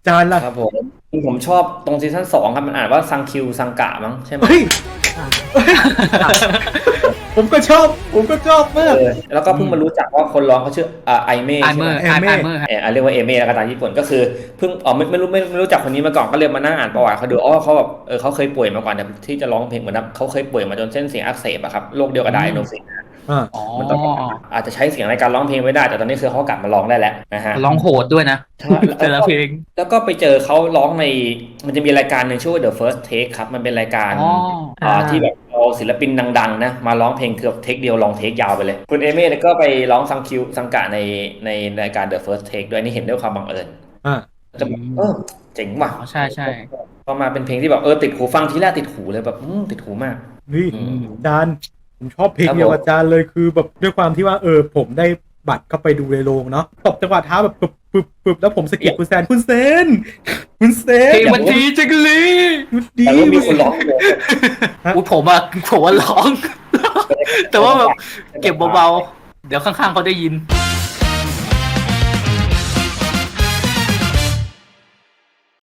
จานล่ะครับผมชอบตรงซีซั่น2ครับมันอ่านว่าซังคิวซังกะมั้งใช่ไหมเฮ้ยเฮ้ยผมก็ชอบมากแล้วก็เพิ่งมารู้จักว่าคนร้องเขาชื่อไอเม่ไอใช่ไหมเมอร์แอมเม่ไอเมอร์เรียกว่าเอเม่แล้วก็ตามญี่ปุ่นก็คือเพิ่งไม่รู้จักคนนี้มาก่อนก็เลยมานั่งอ่านประวัติเขาดูอ๋อเขาแบบเขาเคยป่วยมาก่อนแต่ที่จะร้องเพลงเหมือนแบบเขาเคยป่วยมาจนเส้นเสียงอักเสบอะครับโรคเดียวกับไดโนซิสอ่าอ๋อมันตอนอาจจะใช้เสียงในการร้องเพลงไม่ได้แต่ตอนนี้คือเขากลับมาร้องได้แล้วนะฮะร้องโหดด้วยนะใช่แต่ละเพลงแล้วก็ไปเจอเขาร้องในมันจะมีรายการหนึ่งชื่อว่า The First Take ครับมันเป็นรายการอ๋อที่แบบเอาศิลปินดังๆนะมาร้องเพลงคือแบบเทคเดียวลองเทคยาวไปเลยคุณเอเม่ก็ไปร้องซังคิวซังกะในรายการ The First Take ด้วยนี่เห็นด้วยความบังเอิญอ่าจะแบบเจ๋งว่ะอ๋อใช่ใช่พอมาเป็นเพลงที่แบบติดหูฟังทีแรกติดหูเลยแบบติดหูมากนี่อืมจานผมชอบเพลงเดียวกับจานเลยคือแบบด้วยความที่ว่าผมได้บัตรเข้าไปดูในโรงเนาะตบจังหวะเท้าแบบปึบแล้วผมสะกิดคุณแซนคุณเซนเพลงมันดีจังเลยมันดีแต่ว่ามีคนร้องเลยอุ้ยผมว่าร้อง แต่ว่าแบบเก็บเบาๆเดี๋ยวข้างๆเขาได้ยิน